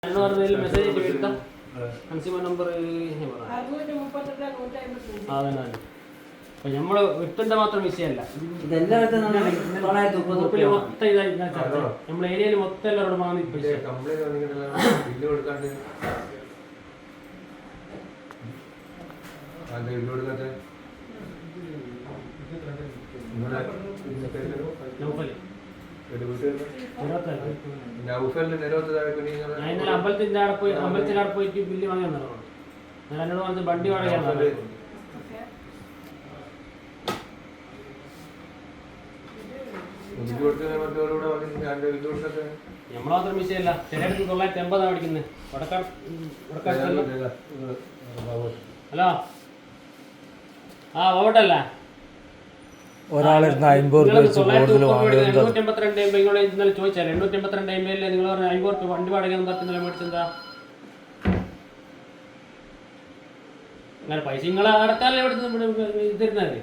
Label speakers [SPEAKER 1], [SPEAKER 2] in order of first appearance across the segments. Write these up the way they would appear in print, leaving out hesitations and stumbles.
[SPEAKER 1] Message എടുത്താൽ consumer number അതന്നെ. അപ്പം നമ്മൾ വിട്ടിൻ്റെ മാത്രം വിഷയമല്ല, മൊത്തം ഇതായി നമ്മൾ ഏരിയയിൽ മൊത്തം എല്ലാവരോടും വാങ്ങി അമ്പലത്തിന്റെ അവിടെ പോയിട്ട് ബില്ല് വാങ്ങി വന്നതാണ്. ഞാൻ എന്നോട് പറഞ്ഞ വണ്ടി വാടകയാണ്. നമ്മൾ മാത്രം വിഷയമല്ല, ചിലയിടത്ത് 980 പഠിക്കുന്നത്. ഹലോ, ഓട്ടല്ല
[SPEAKER 2] ഒരാളിരുന്ന് 50 രൂപ വെച്ച് കൂടുതൽ വാങ്ങുന്നത്
[SPEAKER 1] 882 ഇന്നലെ ചോദിച്ചാൽ 882 എംബിയല്ലേ നിങ്ങൾ പറഞ്ഞ 50 രൂപ വണ്ടി വാടകയൊന്നും പറ്റുന്നില്ല മേടിച്ചെന്താ? അങ്ങനെ പൈസ നിങ്ങൾ അടക്കാനല്ലേ ഇവിടെ തരുന്നത്?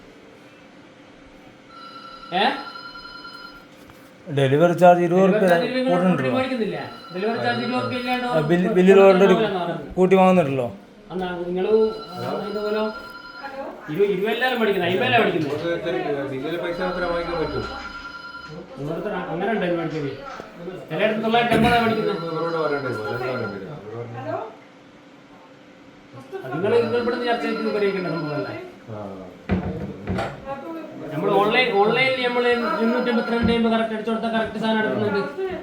[SPEAKER 2] ഡെലിവറി ചാർജ് 20 രൂപ
[SPEAKER 1] മേടിക്കുന്നില്ല. ഡെലിവറി ചാർജ് 20 ഇല്ലാണ്ട്
[SPEAKER 2] ബില്ലിൽ ഓൾറെഡി കൂട്ടി വാങ്ങുന്നുണ്ടല്ലോ.
[SPEAKER 1] നിങ്ങൾ ഇതുപോലെ 20 എല്ലാവരും പഠിക്കുന്നത്, 50 പഠിക്കുന്നത്. അങ്ങനെ ഉണ്ടോ മേടിക്കുന്നത്? ചിലയിടത്ത് 980 പഠിക്കുന്നത്. നിങ്ങൾ ഇവിടുന്ന് ചർച്ച ചെയ്ത് പരിഹരിക്കേണ്ട സംഭവമല്ലേ? നമ്മൾ ഓൺലൈനിൽ നമ്മൾ 282 കറക്റ്റ് അടിച്ചു കൊടുത്താൽ കറക്റ്റ് സാധനം എടുക്കുന്നുണ്ട്.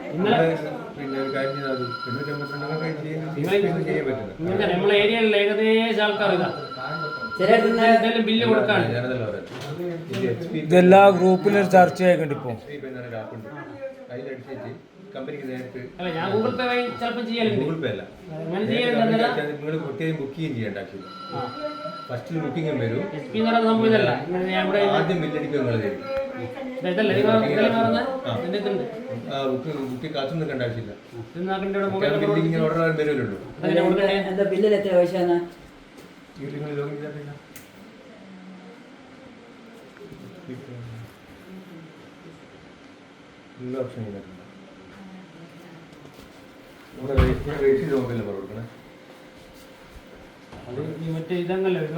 [SPEAKER 1] നമ്മളെ ഏരിയയിലുള്ള ഏകദേശം ആൾക്കാർ ബില്ല് കൊടുക്കാണ്.
[SPEAKER 2] ഇതെല്ലാ ഗ്രൂപ്പിലും ചർച്ചയായിട്ടുണ്ട് ഇപ്പൊ.
[SPEAKER 1] അല്ല, ഞാൻ ഗൂഗിൾ പേ വഴി ചിലപ്പോൾ ചെയ്യലുണ്ട്. അങ്ങനെ ചെയ്യലുണ്ട്.
[SPEAKER 3] ബുക്കിംഗ് ചെയ്യണ്ട. ഫസ്റ്റ് ബുക്കിംഗും വരും.
[SPEAKER 1] SP എന്ന് പറയുന്ന സംഭവം ഇതല്ല.
[SPEAKER 3] ആദ്യം ബില്ലടിക്കും ബുക്ക് കാത്തു നിൽക്കേണ്ട ആവശ്യമില്ല. ഓർഡർ വരുമല്ലോ.
[SPEAKER 4] എന്താ ബില്ലിൽ എത്ര പൈസയാണ്?
[SPEAKER 3] എല്ലാ ഓപ്ഷനും രജിസ്റ്റർ നോക്കില്ല കൊടുക്കണേ.
[SPEAKER 1] മറ്റേ ഇതങ്ങല്ലേ വരിക?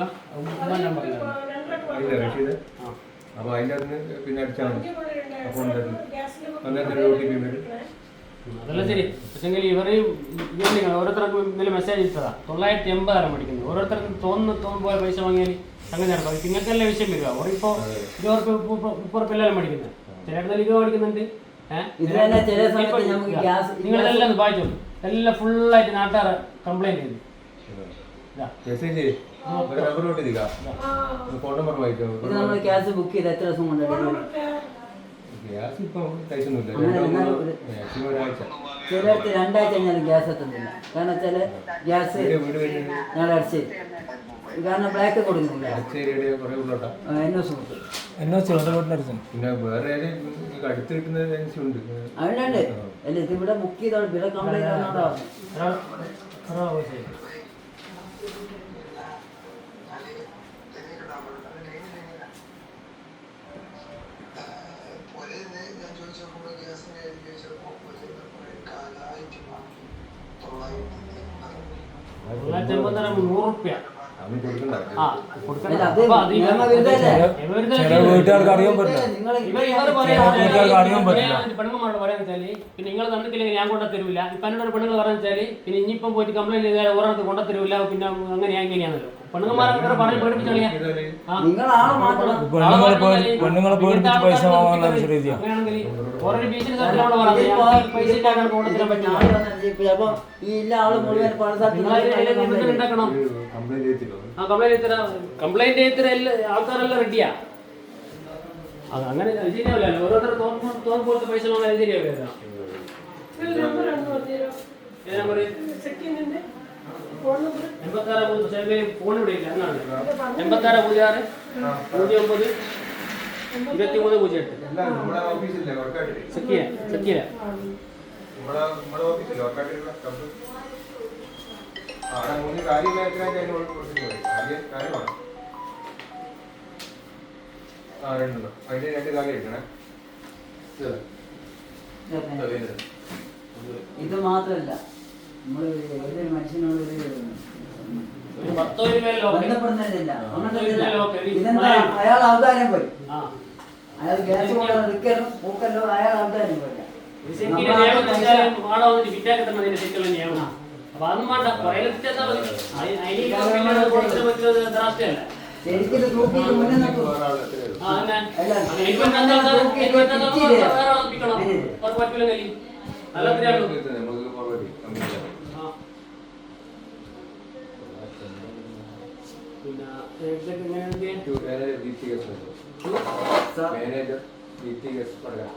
[SPEAKER 3] അപ്പൊ അതിൻ്റെ അതിന് പിന്നെ അടിച്ചാൽ മതി. അപ്പോൾ OTP വരും.
[SPEAKER 1] അതല്ല ശരി. പക്ഷെങ്കിൽ ഇവർ ഓരോരുത്തർക്കും ഇന്നലെ മെസ്സേജ് ഇട്ടതാ 980 പഠിക്കുന്നത്. ഓരോരുത്തർക്കും തോന്നുന്ന പോലെ പൈസ വാങ്ങിയാൽ അങ്ങനെ നടക്കും. നിങ്ങൾക്കല്ലേ വിഷയം വരിക. ഓരിപ്പോൾ 20 30 എല്ലാവരും പഠിക്കുന്നത്. ചിലയിടത്ത് 20 പഠിക്കുന്നുണ്ട്. നിങ്ങളെല്ലാം വായിച്ചോളൂ. എല്ലാം ഫുള്ളായിട്ട് നാട്ടുകാർ കംപ്ലൈൻറ്റ് ചെയ്തു.
[SPEAKER 4] ഗ്യാസ് ബുക്ക് ചെയ്ത് എത്ര ദിവസം കൊണ്ട്? ചിലർക്ക് 2 ആഴ്ച കഴിഞ്ഞാൽ ഗ്യാസ് എത്തുന്നില്ല. കാരണം വെച്ചാൽ ഗ്യാസ് ഞങ്ങൾ അടിച്ച് കാരണം ബ്ലാക്ക് കൊടുക്കുന്നില്ല. അതുകൊണ്ട് അല്ല ഇതിവിടെ ബുക്ക് ചെയ്തോ ഇവിടെ കംപ്ലൈന്റ് ആണോ?
[SPEAKER 2] വീട്ടുകാർക്ക് അറിയാൻ പറ്റില്ല.
[SPEAKER 1] പെണ്ണുങ്ങളോട് പറയാന്ന് വെച്ചാല് പിന്നെ നിങ്ങൾ തന്നിട്ടില്ലെങ്കിൽ ഞാൻ കൊണ്ടു തരൂല. ഇപ്പൊ എന്നോട് പെണ്ണുങ്ങൾ പറയാന്ന് വെച്ചാല് പിന്നെ ഇനിയിപ്പം പോയിട്ട് കംപ്ലൈന്റ് ചെയ്താൽ ഒരാൾക്ക് കൊണ്ടു തരൂല. പിന്നെ അങ്ങനെയാ ഇങ്ങനെയാണല്ലോ പെണ്ണുങ്ങന്മാരെ പറഞ്ഞ് പേടിപ്പിച്ചു കളിയാ.
[SPEAKER 2] പെണ്ണുങ്ങളെ പേടിപ്പിച്ച് പൈസ വാങ്ങാനുള്ള രീതിയാണ്.
[SPEAKER 1] അങ്ങനെയാണെങ്കിൽ ഓരോ ബീച്ചിന് പറഞ്ഞത് പൈസ ഉണ്ടാക്കാൻ കൊണ്ടുതരാൻ പറ്റില്ല. ഉണ്ടാക്കണം. കംപ്ലൈന്റ് ചെയ്ത ആൾക്കാരെല്ലാം റെഡിയാ. അങ്ങനെ ശരിയാവില്ല. ഓരോരുത്തർ തോന്നുമ്പോഴത്തെ പൈസ വാങ്ങാൻ ശരിയാവില്ല. 86 ഫോൺ ഇവിടെ ഇല്ല. എന്നാണ് 86 06 09 23 08 സക്കിയ.
[SPEAKER 3] അതിന്റെ 2 കാര്യം എടുക്കണേ.
[SPEAKER 4] ഇത് മാത്രല്ല നമ്മള് ഒരു മനുഷ്യനോട്
[SPEAKER 1] ഒരു 10 രൂപയിൽ ലോക്ക്.
[SPEAKER 4] ബന്ധപ്പെടുന്നില്ല.
[SPEAKER 1] ഒരു ലോക്ക്.
[SPEAKER 4] ഇതെന്താ അയാൾ അവതാരം പോയി.
[SPEAKER 1] ആ.
[SPEAKER 4] അയാൾ ഗ്യാസ് എടുക്കലും പൂക്കല്ലോ അയാൾ അവതാരം പോയി.
[SPEAKER 1] ഇത് ശരിക്കും നിയമം വെച്ചാൽ വാട വന്നിട്ട് വിറ്റാക്കി തന്നെ അതിന്റെ ശരിക്കുള്ള നിയമം. അപ്പൊ അതൊന്നും വേണ്ട. പുറകിലെത്തി ചെന്നാൽ മതി. അതിന് കൊടുത്തിന് പറ്റുന്നത് ദ്രാഷ്ടയല്ല.
[SPEAKER 4] ശരിക്കും ഇത് തൂക്കിയിട്ട് മുന്നേ നോക്കൂ.
[SPEAKER 1] ആ, തന്നെ.
[SPEAKER 4] അല്ല,
[SPEAKER 1] എനിക്ക് പറ്റാത്ത ആൾക്കാർ വേറെ ആളെ പിടിക്കണം. അവർക്ക് പറ്റില്ലെങ്കിൽ നല്ല ഒത്തിരിയാണ്.
[SPEAKER 3] നമുക്ക് പുറകെ കമ്പനി
[SPEAKER 1] ആ. പിന്നെ ഇതൊക്കെ എങ്ങനെയാണെങ്കിൽ
[SPEAKER 3] മാനേജർ DTS പറയാം.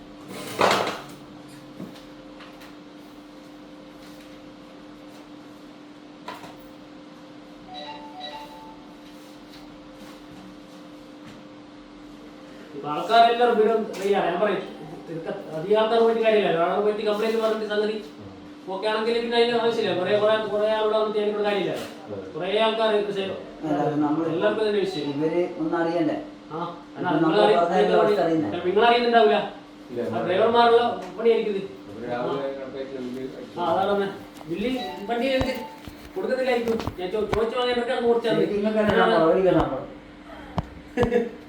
[SPEAKER 1] ആൾക്കാരെല്ലാവരും വീടും റെഡിയാണ്. ഞാൻ പറയും അധികം ആൾക്കാർ പോയിട്ട് കാര്യമില്ല. ഒരാളെ പറ്റി കംപ്ലൈന്റ് പറഞ്ഞിട്ട് സംഗതി ഓക്കെ ആണെങ്കിൽ പിന്നെ അതിന് ആവശ്യമില്ല. കുറെ ആളുടെ വന്നിട്ട് എനിക്കൊരു കാര്യമില്ല. കുറെ ആൾക്കാർ എല്ലാവർക്കും തന്നെ വിഷയം.
[SPEAKER 4] ഇവര് ഒന്നും അറിയണ്ടേ?
[SPEAKER 1] ആ, നിങ്ങൾ അറിയുന്നുണ്ടാവില്ല. ഡ്രൈവർമാരുള്ള പണിയായിരിക്കും. ആ, അതാണ് ബില്ല് വണ്ടി കൊടുക്കത്തില്ലായിരിക്കും. ഞാൻ ചോദിച്ചു വാങ്ങാൻ കൊടുത്താൽ
[SPEAKER 4] നിങ്ങൾക്ക്